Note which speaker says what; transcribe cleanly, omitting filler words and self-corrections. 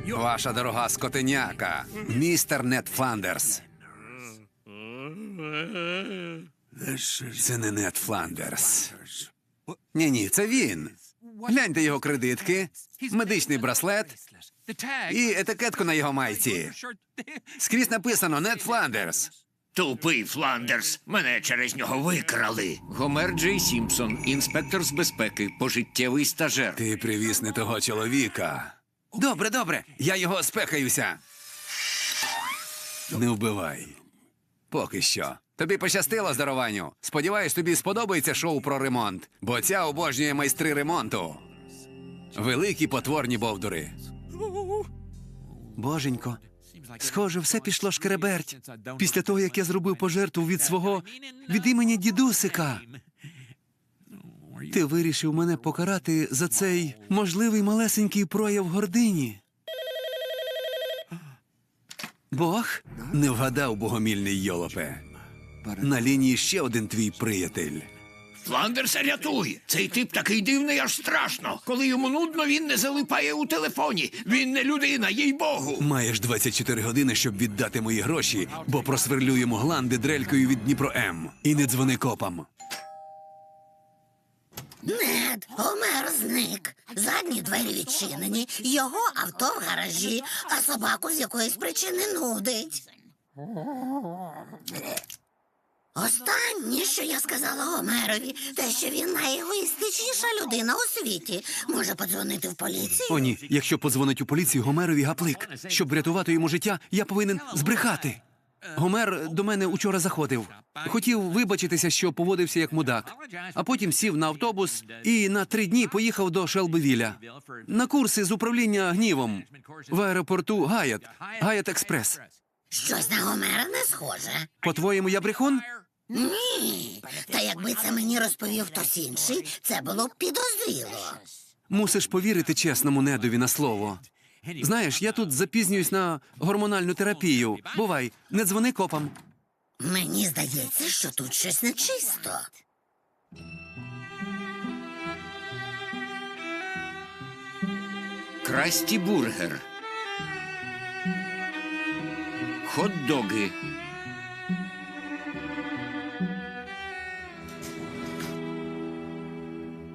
Speaker 1: Ваша дорога скотиняка, містер Нед Фландерс. Це не Нед Фландерс. Ні, це він. Гляньте його кредитки, медичний браслет і етикетку на його майці. Скрізь написано «Нед Фландерс».
Speaker 2: Тупий Фландерс. Мене через нього викрали.
Speaker 3: Гомер Джей Сімпсон, інспектор з безпеки, пожиттєвий стажер.
Speaker 1: Ти привіз не того чоловіка. Добре, я його спекаюся. Не вбивай. Поки що. Тобі пощастило, здорованню. Сподіваюсь, тобі сподобається шоу про ремонт, бо ця обожнює майстри ремонту. Великі потворні бовдури.
Speaker 4: Боженько, схоже, все пішло шкереберть. Після того, як я зробив пожертву від імені дідусика. Ти вирішив мене покарати за цей можливий малесенький прояв гордині. Бог?
Speaker 1: Не вгадав, богомільний йолопе. На лінії ще один твій приятель.
Speaker 2: Фландерса рятуй! Цей тип такий дивний, аж страшно. Коли йому нудно, він не залипає у телефоні. Він не людина, їй-богу.
Speaker 1: Маєш 24 години, щоб віддати мої гроші, бо просверлю йому гланди дрелькою від Дніпро-М. І не дзвони копам.
Speaker 5: Нед, Гомер зник. Задні двері відчинені, його авто в гаражі, а собаку з якоїсь причини нудить. Останнє, що я сказала Гомерові, те, що він найегоїстичніша людина у світі. Може подзвонити в поліцію?
Speaker 4: О ні, якщо подзвонить у поліцію Гомерові гаплик. Щоб врятувати йому життя, я повинен збрехати. Гомер до мене учора заходив. Хотів вибачитися, що поводився як мудак. А потім сів на автобус і на 3 дні поїхав до Шелбивіля. На курси з управління гнівом. В аеропорту Гаят Експрес.
Speaker 5: Щось на Гомера не схоже.
Speaker 4: По-твоєму, я брехун?
Speaker 5: Ні. Та якби це мені розповів хтось інший, це було б підозріло.
Speaker 4: Мусиш повірити чесному Недові на слово. Знаєш, я тут запізнююсь на гормональну терапію. Бувай, не дзвони копам.
Speaker 5: Мені здається, що тут щось нечисто.
Speaker 3: Красті бургер. Хот-доги.